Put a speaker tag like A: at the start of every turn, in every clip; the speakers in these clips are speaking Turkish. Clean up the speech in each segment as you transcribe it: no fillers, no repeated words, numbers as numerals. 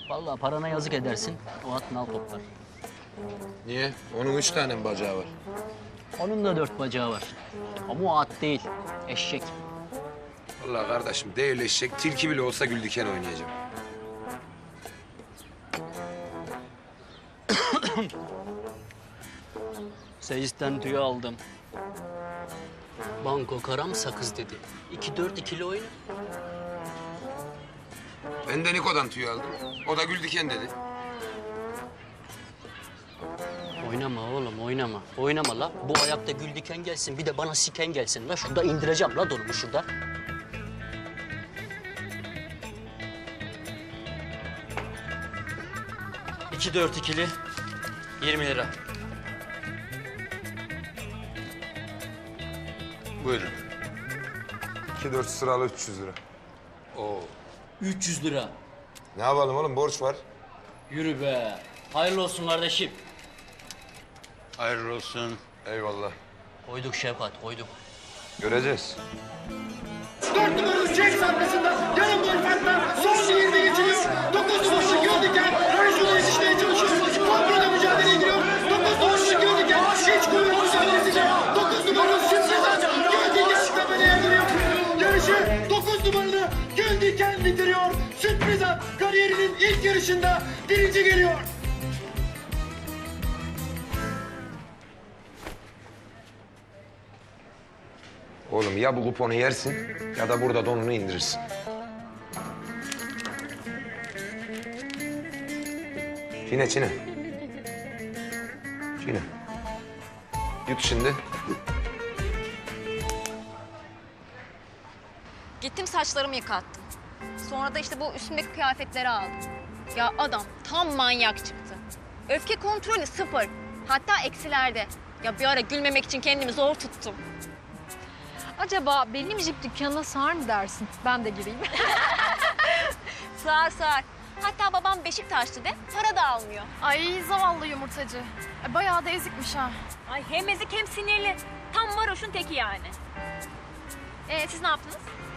A: Vallahi parana yazık edersin. O at nal toplar.
B: Niye? Onun 3 tane mi bacağı var?
A: Onun da 4 bacağı var. Ama o at değil. Eşek.
B: Vallahi kardeşim değil eşek, tilki bile olsa gül diken oynayacağım.
A: Seyisten tüyü aldım. Banko karam sakız dedi. 2-4 ikili oyna.
B: Ben de Niko'dan tüy aldım. O da gül diken dedi.
A: Oynama oğlum oynama. Oynama la. Bu ayakta gül diken gelsin bir de bana siken gelsin la. Şurada indireceğim la donumu şurada.
C: İki dört ikili 20 lira.
B: Buyurun. 2-4 sıralı 300 lira. Oo.
A: 300 lira.
B: Ne yapalım oğlum, borç var.
A: Yürü be. Hayırlı olsun kardeşim.
B: Hayırlı olsun. Eyvallah.
A: Koyduk Şevkat koyduk.
B: Göreceğiz.
D: 4 numaralı Jax arkasında yarım gol farkla son 20 geçiliyor. 9 numaralı Göldiken Rajun'u yetişmeye çalışıyor. Kontrada mücadeleye giriyor. 9 numaralı Göldiken hiç kuvvet mücadelesiyle 9 numaralı Şimşek'ten Göldiken çıklamaya giriyor. Yarışı 9 numaralı Göldiken bitiriyor. Sürpriz at kariyerinin ilk yarışında birinci geliyor.
B: Oğlum ya bu kuponu yersin ya da burada donunu indirirsin. Çiğne, çiğne. Çiğne. Yut şimdi.
E: Gittim saçlarımı yıkattım. Sonra da işte bu üstümdeki kıyafetleri aldım. Ya adam tam manyak çıktı. Öfke kontrolü 0. Hatta eksilerde. Ya bir ara gülmemek için kendimi zor tuttum.
F: Acaba benim jip dükkanına sığar mı dersin? Ben de gireyim.
E: Sığar sığar. Hatta babam Beşiktaşlı de para da almıyor.
F: Ay zavallı yumurtacı. Bayağı da ezikmiş ha.
E: Ay hem ezik hem sinirli. Tam varoşun teki yani. Siz ne yaptınız?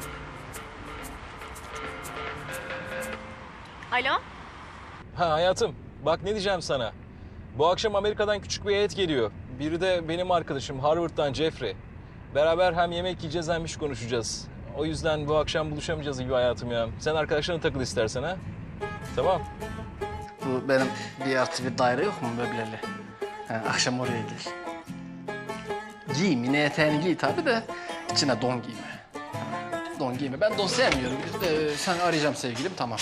E: Alo?
C: Ha hayatım, bak ne diyeceğim sana. Bu akşam Amerika'dan küçük bir heyet geliyor. Biri de benim arkadaşım Harvard'dan Jeffrey. Beraber hem yemek yiyeceğiz hem iş konuşacağız. O yüzden bu akşam buluşamayacağız gibi hayatım ya. Sen arkadaşlarına takıl istersen ha. Tamam.
G: Bu benim 1+1 daire yok mu möbleli? Ha, akşam oraya gel. Giy, mini eteğini giy tabii de içine don giyme. Ha, don giyme. Ben don sevmiyorum. Sen arayacağım sevgilim, tamam.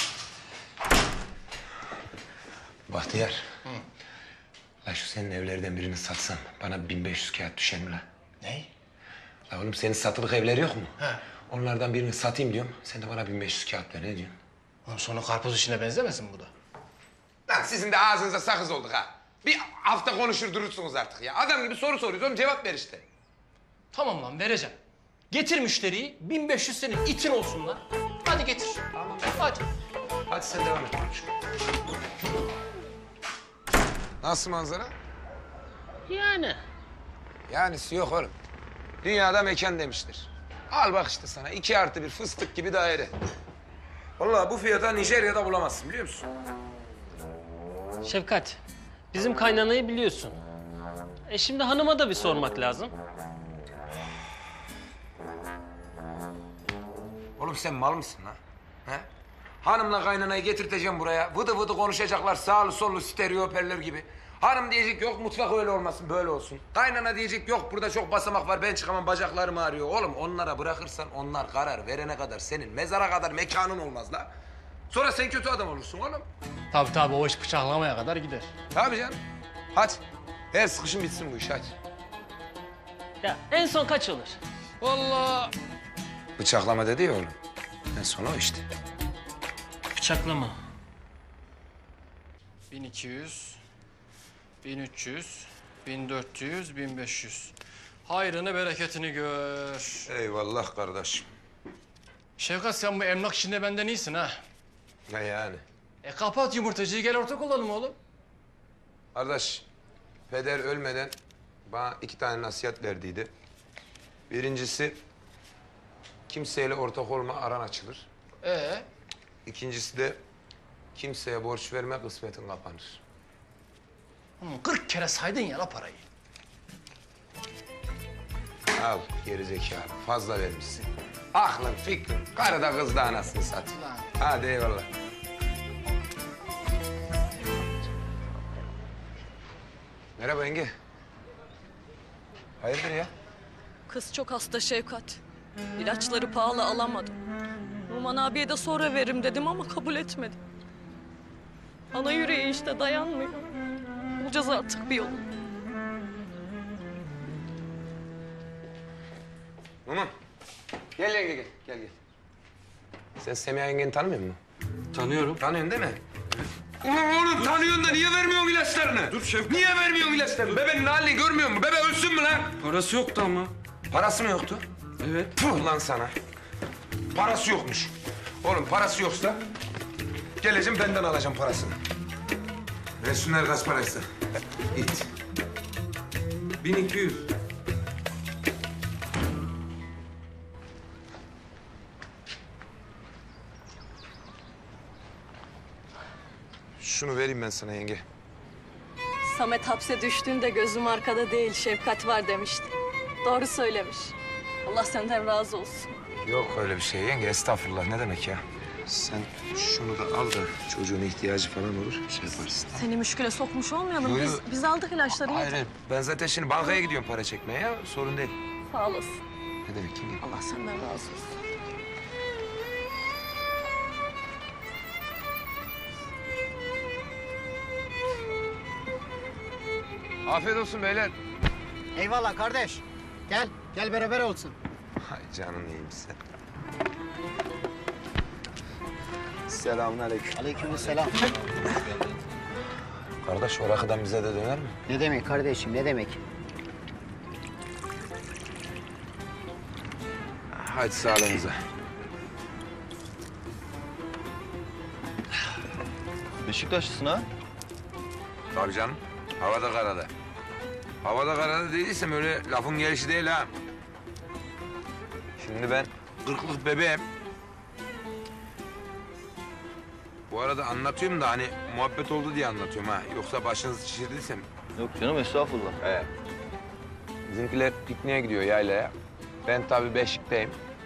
B: Bahtiyar. La şu senin evlerden birini satsan bana 1500 kağıt düşer mi la?
G: Ne?
B: La oğlum senin satılık evleri yok mu? He. Onlardan birini satayım diyorum. Sen de bana 1500 kağıt ver, ne diyorsun?
G: Oğlum sonra karpuz işine benzemesin bu da.
B: Lan sizin de ağzınıza sakız olduk ha. Bir hafta konuşur durursunuz artık ya. Adam gibi soru soruyoruz oğlum, cevap ver işte.
G: Tamam lan, vereceğim. Getir müşteriyi, 1500 senin itin olsun lan. Hadi getir. Tamam. Hadi.
B: Hadi sen devam et konuş. Nasıl manzara?
A: Yani.
B: Yanisi yok oğlum. Dünyada mekan demiştir. Al bak işte sana 2+1 fıstık gibi daire. Vallahi bu fiyata Nijerya'da bulamazsın, biliyor musun?
H: Şefkat, bizim kaynanayı biliyorsun. Şimdi hanıma da bir sormak lazım.
B: Oğlum sen mal mısın lan? He? Hanımla kaynanayı getirteceğim buraya. Vıdı vıdı konuşacaklar sağlı sollu stereo hoparlör gibi. Hanım diyecek yok mutfak öyle olmasın böyle olsun. Kaynana diyecek yok burada çok basamak var ben çıkamam bacaklarım ağrıyor. Oğlum onlara bırakırsan onlar karar verene kadar senin mezara kadar mekanın olmaz la. Sonra sen kötü adam olursun oğlum.
G: Tabii o iş bıçaklamaya kadar gider.
B: Tabii canım. Hadi. Her sıkışın bitsin bu iş hadi.
H: Ya en son kaç olur?
G: Vallahi
B: Bıçaklama dedi ya oğlum. En son o işte.
H: Bıçaklama.
G: 1200, 1300, 1400, 1500. Hayrını bereketini gör.
B: Eyvallah kardeşim.
G: Şevkat, sen bu emlak işinde benden iyisin ha.
B: Ne yani?
G: Kapat yumurtacıyı, gel ortak olalım oğlum.
B: Kardeş, peder ölmeden bana 2 tane nasihat verdiydi. Birincisi, kimseyle ortak olma, aran açılır.
G: Ee?
B: İkincisi de Kimseye borç verme, kısmetin kapanır.
G: 40 kere saydın ya la parayı.
B: Al gerizekalı, fazla vermişsin. Aklın, fikrin, karı da kız da anasını satayım.
G: Lan.
B: Hadi eyvallah. Merhaba yenge. Hayırdır ya?
I: Kız çok hasta Şevkat. İlaçları pahalı alamadım. Numan abiye de sonra veririm dedim ama kabul etmedi. Ana yüreği işte dayanmıyor. Bulacağız artık bir yolu.
B: Numan. Gel yenge gel, gel gel. Sen Semiha yengeni tanımıyor musun?
A: Tanıyorum.
B: Tanıyorsun değil mi? Ulan oğlum tanıyorsun da niye vermiyorsun ilaçlarını? Dur Şevkat. Niye vermiyorsun ilaçlarını? Bebenin halini görmüyor musun? Bebe ölsün mü lan?
J: Parası yoktu ama.
B: Parası mı yoktu?
J: Evet.
B: Puh lan sana. Parası yokmuş. Oğlum parası yoksa geleceğim benden alacağım parasını. Versinler kaç paraysa. İt.
J: 1200.
B: Şunu vereyim ben sana yenge.
I: Samet hapse düştüğünde gözüm arkada değil Şefkat var demişti. Doğru söylemiş. Allah senden razı olsun.
B: Yok öyle bir şey yenge. Estağfurullah. Ne demek ya? Sen şunu da al da çocuğun ihtiyacı falan olur. Şey yaparsın.
I: Seni müşküle sokmuş olmayalım.
B: Yo, yo.
I: Biz aldık ilaçları.
B: Hayır, hayır. Ben zaten şimdi bankaya gidiyorum para çekmeye ya. Sorun değil.
I: Sağ olasın.
B: Ne demek yenge?
I: Allah senden razı olsun.
B: Afiyet olsun beyler.
D: Eyvallah kardeş. Gel, gel beraber olsun.
B: Hay canın iyiyim sen. Selamünaleyküm.
D: Aleykümselam.
B: Kardeş o rakıdan bize de döner mi?
D: Ne demek kardeşim, ne demek?
B: Hadi sağlığınıza.
J: Beşiktaşlısın ha?
B: Tabii canım. Havada karada. Havada karada dediysem öyle lafın gelişi değil ha. Şimdi ben 40'lık bebeğim. Bu arada anlatıyorum da hani muhabbet oldu diye anlatıyorum ha. Yoksa başınızı şişirdiysem.
J: Yok canım estağfurullah.
B: Evet. Bizimkiler pikniğe gidiyor yaylaya. Ben tabii Beşik'teyim.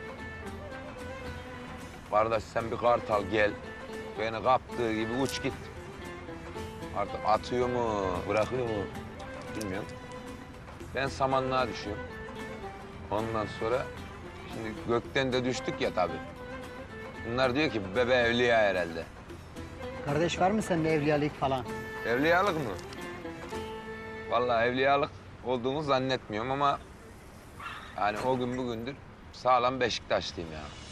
B: Kardeş sen bir kartal gel. Beni kaptığı gibi uç git. Artık atıyor mu, bırakıyor mu bilmiyorum. Ben samanlığa düşüyorum. Ondan sonra şimdi gökten de düştük ya tabii. Bunlar diyor ki bebe evliya herhalde.
D: Kardeş var mı sende evliyalık falan?
B: Evliyalık mı? Vallahi evliyalık olduğumu zannetmiyorum ama yani o gün bugündür sağlam Beşiktaşlıyım ya.